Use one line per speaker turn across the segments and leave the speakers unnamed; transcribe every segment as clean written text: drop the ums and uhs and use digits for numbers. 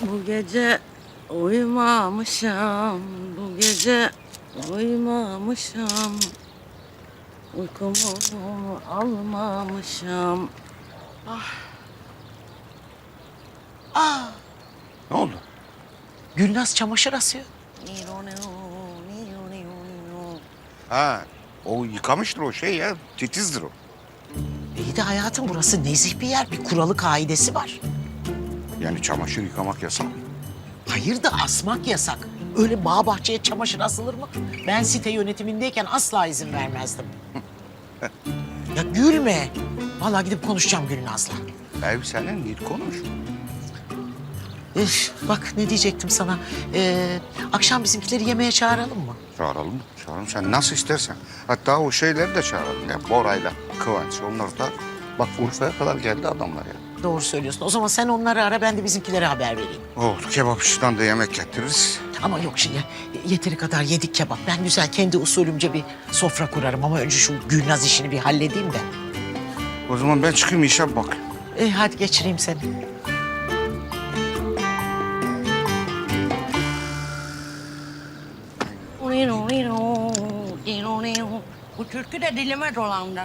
Bu gece uyumamışım, bu gece uyumamışım. Uykumu almamışım.
Ne oldu?
Gülnaz çamaşır asıyor.
Ha, o yıkamıştır o şey ya. Titizdir o.
İyi de hayatım burası nezih bir yer. Bir kuralı kaidesi var.
Yani çamaşır yıkamak yasak.
Hayır da asmak yasak. Öyle bağ bahçeye çamaşır asılır mı? Ben site yönetimindeyken asla izin vermezdim. Ya gülme. Vallahi gidip konuşacağım Gülnaz'la.
Ev senin, git konuş.
Üf, bak ne diyecektim sana. Akşam bizimkileri yemeğe çağıralım mı?
Çağıralım, çağıralım. Sen nasıl istersen. Hatta o şeyleri de çağıralım. Ya Bora'yla Kıvanç, onlar da... Bak Urfa'ya kadar geldi adamlar ya.
Doğru söylüyorsun. O zaman sen onları ara, ben de bizimkilere haber vereyim.
Oldu, kebapçıdan da yemek getiririz.
Ama yok şimdi yeteri kadar yedik kebap. Ben güzel kendi usulümce bir sofra kurarım ama önce şu Gülnaz işini bir halledeyim de.
O zaman ben çıkayım işe bak.
Hadi geçireyim seni.
Bu türkü de dilime dolandı.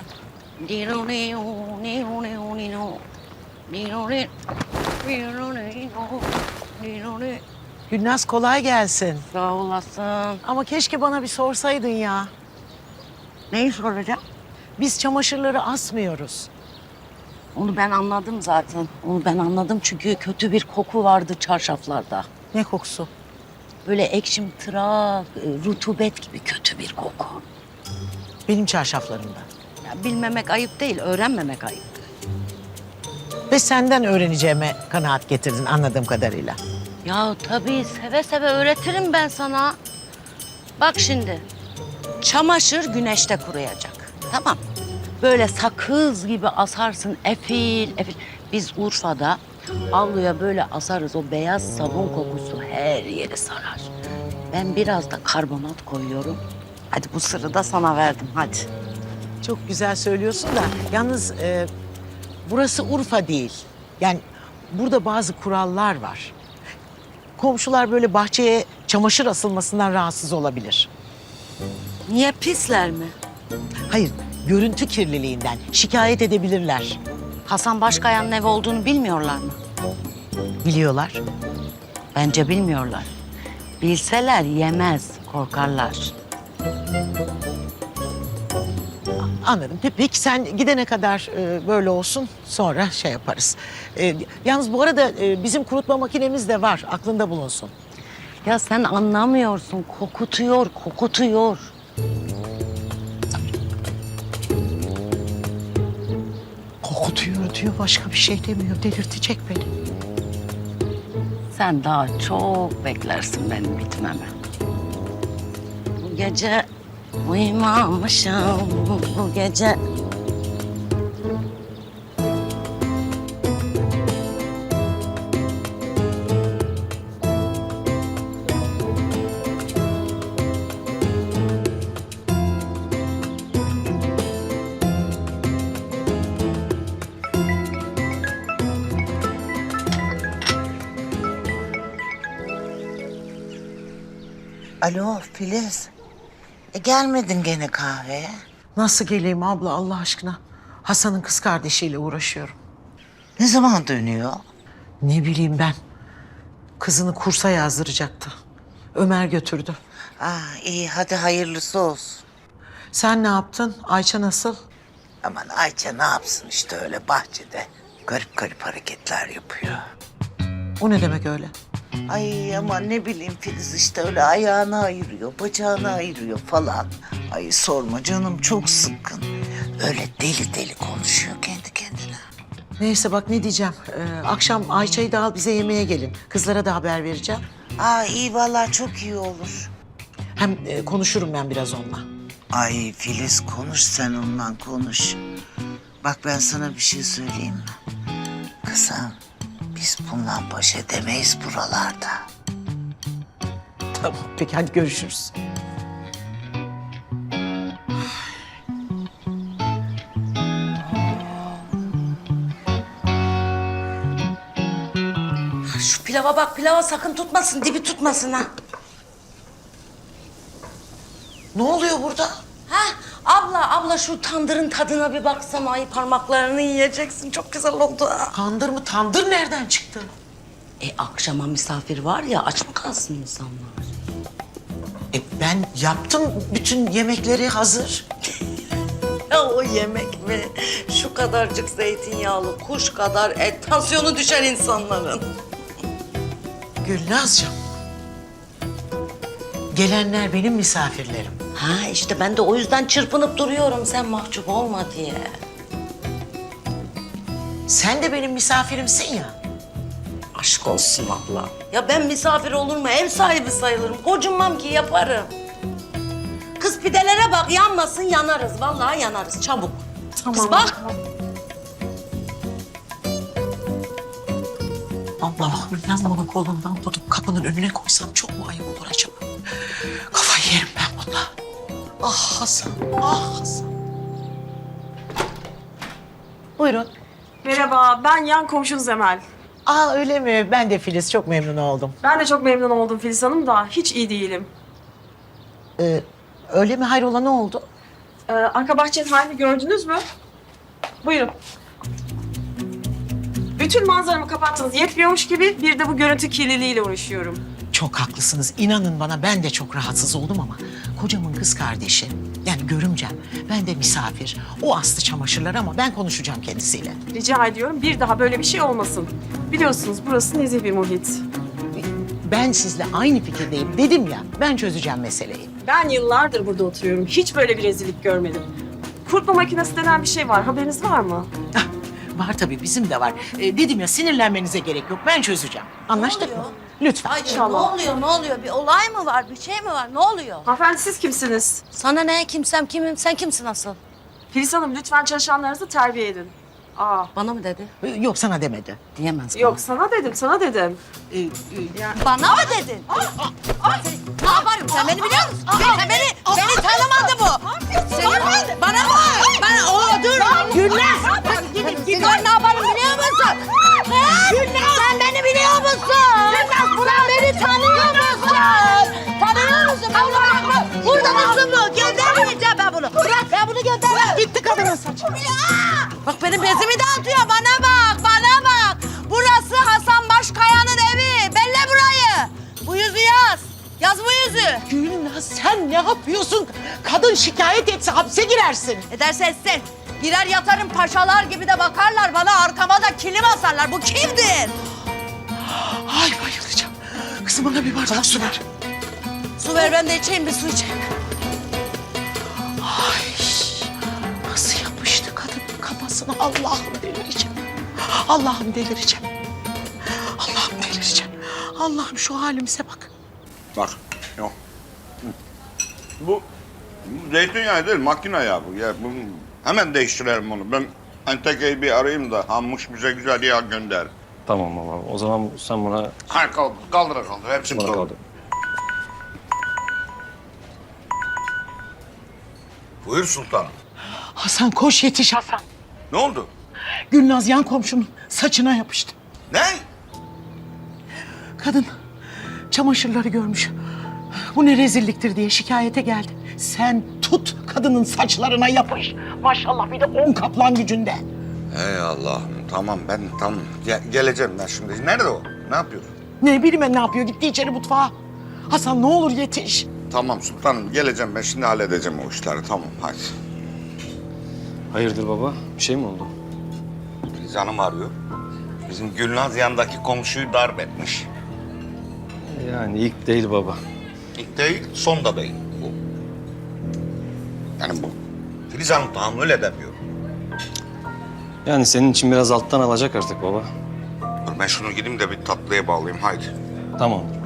Gülnaz kolay gelsin.
Sağ olasın.
Ama keşke bana bir sorsaydın ya.
Neyi soracağım?
Biz çamaşırları asmıyoruz.
Onu ben anladım zaten. Onu ben anladım çünkü kötü bir koku vardı çarşaflarda.
Ne kokusu?
Böyle ekşimtırak, rutubet gibi kötü bir koku.
Benim çarşaflarımda.
Ya bilmemek ayıp değil, öğrenmemek ayıp.
Ve senden öğreneceğime kanaat getirdin anladığım kadarıyla.
Ya tabii seve seve öğretirim ben sana. Bak şimdi, çamaşır güneşte kuruyacak. Tamam. Böyle sakız gibi asarsın, efil efil. Biz Urfa'da avluya böyle asarız. O beyaz sabun kokusu her yeri sarar. Ben biraz da karbonat koyuyorum. Hadi bu sırrı da sana verdim, hadi.
Çok güzel söylüyorsun da yalnız burası Urfa değil. Yani burada bazı kurallar var. Komşular böyle bahçeye çamaşır asılmasından rahatsız olabilir.
Niye pisler mi?
Hayır, görüntü kirliliğinden şikayet edebilirler.
Hasan Başkaya'nın evi olduğunu bilmiyorlar mı?
Biliyorlar.
Bence bilmiyorlar. Bilseler yemez, korkarlar.
Anladım. Peki sen gidene kadar böyle olsun, sonra şey yaparız. Yalnız bu arada bizim kurutma makinemiz de var, aklında bulunsun.
Ya sen anlamıyorsun, kokutuyor, kokutuyor.
Kokutuyor diyor, başka bir şey demiyor. Delirtecek beni.
Sen daha çok beklersin benim bitmemi. Bu gece uyumamışım, bu gece...
Alo Filiz. Gelmedin gene kahveye.
Nasıl geleyim abla Allah aşkına? Hasan'ın kız kardeşiyle uğraşıyorum.
Ne zaman dönüyor?
Ne bileyim ben. Kızını kursa yazdıracaktı. Ömer götürdü.
İyi hadi hayırlısı olsun.
Sen ne yaptın? Ayça nasıl?
Aman Ayça ne yapsın işte öyle bahçede. Garip garip hareketler yapıyor.
O ne demek öyle?
Ay aman ne bileyim Filiz işte öyle ayağını ayırıyor, bacağını ayırıyor falan. Ay sorma canım çok sıkkın. Öyle deli deli konuşuyor kendi kendine.
Neyse bak ne diyeceğim. Akşam Ayça'yı da al bize yemeğe gelin. Kızlara da haber vereceğim.
İyi vallahi çok iyi olur.
Hem konuşurum ben biraz onunla.
Ay Filiz konuş sen onunla konuş. Bak ben sana bir şey söyleyeyim mi? Kızım biz bununla baş edemeyiz buralarda.
Tamam peki hadi görüşürüz.
Şu
pilava bak, pilava sakın tutmasın, dibi tutmasın ha.
Ne oluyor burada?
Ha, abla şu tandırın tadına bir baksana. Ay parmaklarını yiyeceksin. Çok güzel oldu ha.
Tandır mı? Tandır nereden çıktı?
Akşama misafir var ya, aç mı kalsın insanlar?
Ben yaptım. Bütün yemekleri hazır.
Ya o yemek mi? Şu kadarcık zeytinyağlı, kuş kadar et. Tansiyonu düşer insanların.
Gülnazcığım. Gelenler benim misafirlerim.
Ha işte ben de o yüzden çırpınıp duruyorum sen mahcup olma diye.
Sen de benim misafirimsin ya.
Aşk olsun abla. Ya ben misafir olur mu? Ev sahibi sayılırım. Kocunmam ki yaparım. Kız pidelere bak, yanmasın yanarız. Vallahi yanarız, çabuk. Kız bak.
Allah'ım ben bunu kolundan tutup kapının önüne koysam çok mu ayıp olur acaba? Kafayı yerim ben bununla. Ah Hasan, ah Hasan. Buyurun.
Merhaba, ben yan komşunuz Emel.
Öyle mi? Ben de Filiz, çok memnun oldum.
Ben de çok memnun oldum Filiz Hanım da hiç iyi değilim.
Öyle mi? Hayrola ne oldu?
Arka bahçenin halini gördünüz mü? Buyurun. Bütün manzaramı kapattınız yetmiyormuş gibi bir de bu görüntü kirliliğiyle uğraşıyorum.
Çok haklısınız. İnanın bana ben de çok rahatsız oldum ama kocamın kız kardeşi, yani görümcem, ben de misafir. O astı çamaşırları ama ben konuşacağım kendisiyle.
Rica ediyorum bir daha böyle bir şey olmasın. Biliyorsunuz burası nezih bir muhit.
Ben sizle aynı fikirdeyim dedim ya, ben çözeceğim meseleyi.
Ben yıllardır burada oturuyorum. Hiç böyle bir rezillik görmedim. Kurutma makinesi denen bir şey var. Haberiniz var mı?
Ah, var tabii, bizim de var. Dedim ya, sinirlenmenize gerek yok, ben çözeceğim. Anlaştık mı? Lütfen.
Ay
İnşallah.
ne oluyor? Bir olay mı var? Bir şey mi var? Ne oluyor?
Hanımefendi siz kimsiniz?
Sana ne? Kimsem kimim? Sen kimsin asıl?
Filiz Hanım lütfen çalışanlarınızı terbiye edin.
Bana mı dedi?
Yok, sana demedi.
Diyemez bana.
Yok sana dedim, sana dedim.
Bana mı dedin? Ne yaparım? Sen beni biliyor musun? Beni tanımadı bu. Senin, bana mı? Dur. Gülnaz. Dur, ne yaparım biliyor musun? Gülnaz. Sen beni biliyor musun? Gülnaz, sen beni tanıyor musun? Tanıyor musun? Ben bunu bırakmam. Burada mısın bu? Göndermeyeceğim ben bunu. Bırak. Ben bunu göndermem.
Gitti kadının saçı.
Bak benim bezimi dağıtıyor. Bana bak. Burası Hasan Başkaya'nın evi. Belle burayı. Bu yüzü yaz. Yaz bu yüzü.
Gülnaz, sen ne yapıyorsun? Kadın şikayet etse hapse girersin.
Ederse etsin. Girer yatarım, paşalar gibi de bakarlar bana, arkama da kilim asarlar. Bu kimdir?
Ay bayılacağım. Kızım bana bir bardak su ver.
Su ver, ben de içeyim, bir su içeyim.
Ay nasıl yapıştı kadının kafasına, Allah'ım delireceğim. Allah'ım delireceğim. Allah'ım delireceğim. Allah'ım şu halimize bak.
Bak, yok. Bu zeytinyağı değil, makine yağı bu. Ya, bu hemen değiştirelim onu. Ben Enteke'yi bir arayayım da Hammuş bize güzel yağ gönder.
Tamam baba. O zaman sen buna
Ha, kaldır. Hepsini
bana
kaldır.
kaldı.
Buyur sultanım.
Hasan koş, yetiş Hasan.
Ne oldu?
Gülnaz yan komşunun saçına yapıştı.
Ne?
Kadın çamaşırları görmüş. Bu ne rezilliktir diye şikayete geldi. Sen tut kadının saçlarına yapış. Maşallah bir de 10 kaplan gücünde.
Ey Allah'ım, tamam ben tamam. Geleceğim ben şimdi. Nerede o? Ne yapıyor?
Ne bileyim ben ne yapıyor, gitti içeri mutfağa. Hasan ne olur yetiş.
Tamam sultanım, geleceğim ben şimdi halledeceğim o işleri. Tamam, hadi.
Hayırdır baba? Bir şey mi oldu?
Filiz Hanım arıyor. Bizim Gülnaz yanındaki komşuyu darp etmiş.
Yani ilk değil baba.
İlk değil, son da değil bu. Yani bu. Filiz Hanım tahammül edemiyor.
Yani senin için biraz alttan alacak artık baba.
Dur ben şunu gideyim de bir tatlıya bağlayayım, haydi.
Tamamdır.